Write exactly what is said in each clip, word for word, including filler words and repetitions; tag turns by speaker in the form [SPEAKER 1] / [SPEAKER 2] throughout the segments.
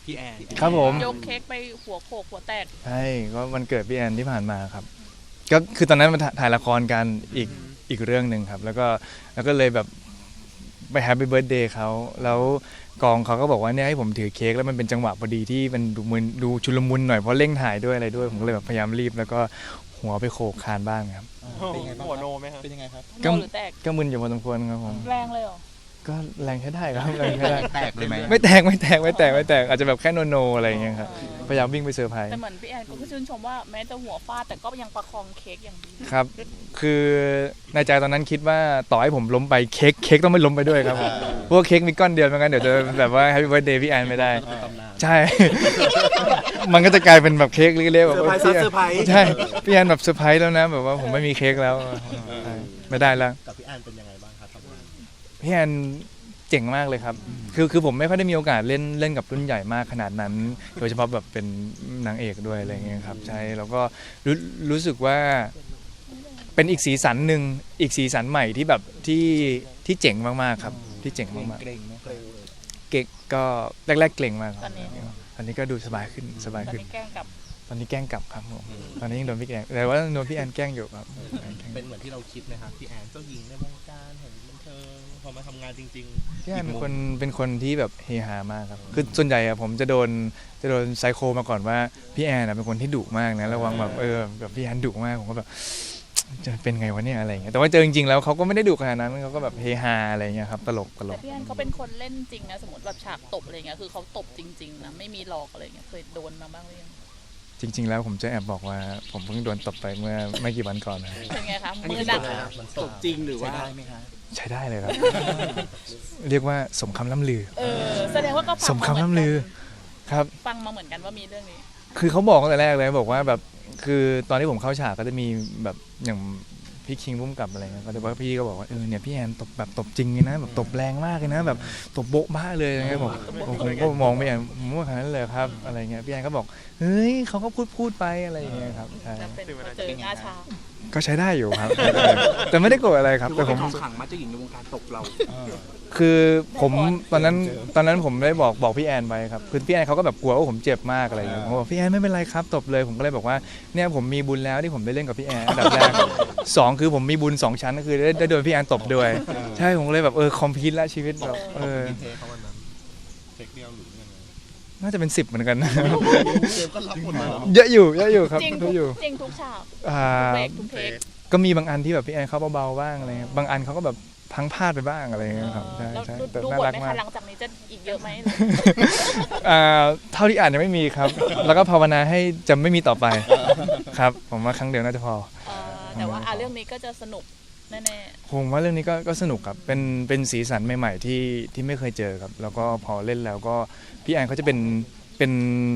[SPEAKER 1] พี่แอน
[SPEAKER 2] ครับผม
[SPEAKER 3] ยกเค้กไปหัวโขกหัวแตก
[SPEAKER 2] ใช่ก็วันเกิดพี่แอนที่ผ่านมาครับก็คือตอนนั้นมันถ่ายละครกันอีกอีกเรื่องหนึ่งครับแล้วก็แล้วก็เลยแบบไปแฮปปี้เบิร์ดเดย์เขาแล้วกองเขาก็บอกว่าเนี่ยให้ผมถือเค้กแล้วมันเป็นจังหวะพอดีที่มันดูมึนดูชุลมุนหน่อยเพราะเร่งถ่ายด้วยอะไรด้วยผมก็เลยแบบพยายามรีบแล้วก็หัวไปโขกคานบ้างครับ
[SPEAKER 1] เป็นยังไงบ้างหัวโนไหมครับเป็นยังไงครับ
[SPEAKER 3] โนหรือแตก
[SPEAKER 2] ก็มึนอยู่พอสมควรครับผม
[SPEAKER 3] แรงเลยเหรอ
[SPEAKER 2] ก็แรงใช้ได้ครับแรงใช้ได้
[SPEAKER 1] แตกเลยไหม
[SPEAKER 2] ไม่แตกไม่แตกไม่แตกไม่แตกอาจจะแบบแค่โนโนอะไรอย่างเงี้ยครับพยายามวิ่งไปเซอร์ไพรส์
[SPEAKER 3] แต่เหมือนพี่แอนก็ชื่นชมว่าแม้จะหัวฟาดแต่ก็ยังประคองเค้กอย่างดี
[SPEAKER 2] ครับคือในใจตอนนั้นคิดว่าต่อให้ผมล้มไปเค้กเค้กต้องไม่ล้มไปด้วยครับเพราะว่าเค้กมีก้อนเดียวไม่งั้นเดี๋ยวจะแบบว่า Happy Birthday พี่แอนไม่ได้ใช่ มันก็จะกลายเป็นแบบเค้กเล็กๆแบบว่า
[SPEAKER 1] เซอร์ไพรส์
[SPEAKER 2] ใช่พี่แอนแบบเซอร์ไพรส์แล้วนะแบบว่าผมไม่มีเค้กแล้วไม่ได้แล้ว
[SPEAKER 1] กับพี่แอนเป็นยังไงบ้างครับทำงาน
[SPEAKER 2] พี่แอนเจ๋งมากเลยครับคือคือผมไม่ค่อยได้มีโอกาสเล่นเล่นกับรุ่นใหญ่มากขนาดนั้นโดยเฉพาะแบบเป็นนางเอกด้วยอะไรเงี้ยครับใช่แล้วก็รู้รู้สึกว่าเป็นอีกสีสันหนึ่งอีกสีสันใหม่ที่แบบที่ที่เจ๋งมากๆครับที่เจ๋งมากๆ
[SPEAKER 1] เกรงไหม
[SPEAKER 2] เก่งก็แรกๆเกรงมาก
[SPEAKER 3] ตอนนี้
[SPEAKER 2] ตอนนี้ก็ดูสบายขึ้นสบายขึ้น
[SPEAKER 3] แกล้งกับ
[SPEAKER 2] ตอนนี้แกล้งกลับครับผมตอนนี้ยังโดนพี่แอนแต่ว่าโดนพี่แอนแกล้งอยู่ครับ
[SPEAKER 1] เป็นเหมือนที่เราคิดไหมครับพี่แอนเจ้าหญิงในวงการแห่งบันเทิงพอมาทำงานจริงๆ
[SPEAKER 2] พี่แอนเป็นคนเป็นคนที่แบบเฮฮามากครับคือส่วนใหญ่อะผมจะโดนจะโดนไซโคมาก่อนว่าพี่แอนเป็นคนที่ดุมากนะระวังแบบเออแบบพี่แอนดุมากผมก็แบบจะเป็นไงวะเนี่ยอะไรเงี้ยแต่ว่าเจอจริงๆแล้วเขาก็ไม่ได้ดุขนาดนั้นเขาก็แบบเฮฮาอะไรเงี้ยครับตลกตล
[SPEAKER 3] แต่
[SPEAKER 2] ก
[SPEAKER 3] พี่แอนเขาเป็นคนเล่นจริงนะสมมติแบบฉากตบอะไรเงี้ยคือเขาตบจริงๆนะไม่มีหลอกอะไรเงี้ยเคยโดนมาบ้างหรือยัง
[SPEAKER 2] จริงๆแล้วผมจะแอบบอกว่าผมเพิ่งโดนตบไปเมื่อไม่กี่วันก่อนนะ
[SPEAKER 3] เป็นไงคะมือหนัก
[SPEAKER 1] มันตบจริงหรือว่าได้ไหมคะ
[SPEAKER 2] ใช้ได้เลยครับเรียกว่าสมคำล่ำลือ
[SPEAKER 3] เออแสดงว่าก็
[SPEAKER 2] สมคำล่ำลือครับ
[SPEAKER 3] ฟังมาเหมือนกันว่ามีเรื่องนี้
[SPEAKER 2] คือเขาบอกตั้งแต่แรกเลยบอกว่าแบบคือตอนที่ผมเข้าฉากก็จะมีแบบอย่างพี่คิงพุ่มกับอะไรเงี้ยก็จะบอกพี่ก็บอกว่าเออเนี่ยพี่แอนตบแบบตบจริงเลยนะแบบตบแรงมากเลยนะแบบตบโบ๊ะบ้าเลยอะไรเงี้ยผมผมก็มองไม่แอนผมว่าขนาดนั้นเลยครับอะไรเงี้ยพี่แอนก็บอกเฮ้ยเขาก็พูดพูดไปอะไรเงี้ยครับใช่
[SPEAKER 3] เจอหน้าชา
[SPEAKER 2] ก็ใช้ได้อยู่ครับแต่ไม่ได้โกรธอะไรครับแต่ผม
[SPEAKER 1] ขังมาเจ้าหญิงในวงการตบเรา
[SPEAKER 2] คือผมตอนนั้นตอนนั้นผมได้บอกบอกพี่แอนไปครับคือพี่แอนเขาก็แบบกลัวว่าผมเจ็บมากอะไรอย่างเงี้ยผมบอกพี่แอนไม่เป็นไรครับตบเลยผมก็เลยบอกว่าเนี่ยผมมีบุญแล้วที่ผมได้เล่นกับพี่แอนอันดับแรกสองคือผมมีบุญสองชั้นก็คือได้ได้โดนพี่แอนตบด้วยใช่ผมเลยแบบเออคอมพิวต์ละชีวิตแบบเออ
[SPEAKER 1] เทคเดียวหรือยังไง
[SPEAKER 2] น่าจะเป็นสิบเหมือนกัน
[SPEAKER 1] เกมก็รับหมดเลย
[SPEAKER 2] เยอะอยู่เยอะอยู่ครับ
[SPEAKER 3] จริงทุกจริงทุกฉากทุกเทค
[SPEAKER 2] ก็มีบางอันที่แบบพี่แอนเขาเบาๆบ้างอะไรบางอันเขาก็แบบพังพลาดไปบ้างอะไรเงี้ยครับใช่ใช่
[SPEAKER 3] แต่น่ารักมากหลังจากนี้จะอีกเยอะไหม
[SPEAKER 2] เท่าที่อ่านยังไม่มีครับแล้วก็ภาวนาให้จะไม่มีต่อไปครับผมว่าครั้งเดียวน่าจะพอ
[SPEAKER 3] แต่ว่าเรื่องนี้ก็จะสนุกแน่
[SPEAKER 2] ๆผมว่าเรื่องนี้ก็ก็สนุกครับเป็นเป็นสีสันใหม่ๆที่ที่ไม่เคยเจอครับแล้วก็พอเล่นแล้วก็พี่แอนเขาจะเป็นเป็น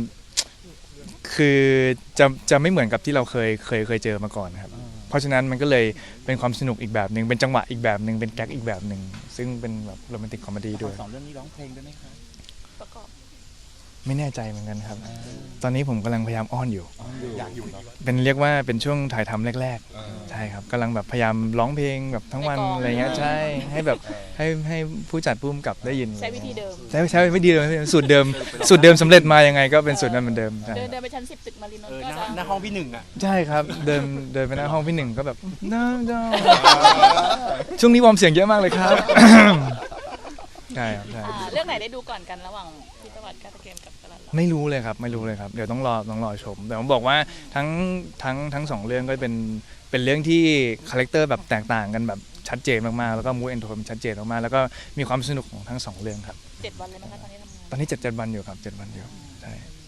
[SPEAKER 2] คือจะจะไม่เหมือนกับที่เราเคยเคยเคยเจอมาก่อนครับเพราะฉะนั้นมันก็เลยเป็นความสนุกอีกแบบหนึ่งเป็นจังหวะอีกแบบหนึ่งเป็นแก๊กอีกแบบหนึ่งซึ่งเป็นแบบโรแมนติกคอมเมดี้ด้วย
[SPEAKER 1] สองเรื่องนี้ร้องเพลงด้วยไหมครับ
[SPEAKER 3] ประกอบ
[SPEAKER 2] ไม่แน่ใจเหมือนกันครับตอนนี้ผมกำลังพยายามอ้อนอยู่
[SPEAKER 1] อยากอยู่เนาะ
[SPEAKER 2] เป็นเรียกว่าเป็นช่วงถ่ายทำแรกๆใช่ครับกำลังแบบพยายามร้องเพลงแบบทั้งวันอะไรเงี้ยใช่ให้แบบให้ให้ผู้จัดผู้กำกับได้ยิน
[SPEAKER 3] ใช้วิธีเดิม
[SPEAKER 2] ใช้ใช้วิธีเดิมสูตรเดิมสูตรเดิมสำเร็จมายังไงก็เป็นสูตรนั้นเหมือนเดิม
[SPEAKER 3] เดินเดินไปชั้นสิบตึกมารีนนท์ก็
[SPEAKER 1] หน้าห้องพี่หนึ่งอ่ะ
[SPEAKER 2] ใช่ครับเดินเดินไปหน้าห้องพี่หนึ่งก็แบบน้าจ้าช่วงนี้วอร์มเสียงเยอะมากเลยครับใช่ครับใช่
[SPEAKER 3] เรื่องไหนได้ดูก่อนกันระหว่างพิตวัตรกาตะเกมกับกาลัน
[SPEAKER 2] ไม่รู้เลยครับไม่รู้เลยครับเดี๋ยวต้องรอต้องรอชมแต่ผมบอกว่าทั้งทั้งทั้งสองเรื่องก็เป็นเป็นเรื่องที่คาแรคเตอร์แบบแตกต่างกันแบบชัดเจนมากๆแล้วก็มูดแอนโทนชัดเจนมากๆแล้วก็มีความสนุกของทั้งสองเรื่องครับ
[SPEAKER 3] เจ็ดวันเลยมั้งคะตอนนี้ทำงาน
[SPEAKER 2] ตอนนี้เจ็ดเจ็ดวันอยู่ครับเจ็ดวันอยู่ใช่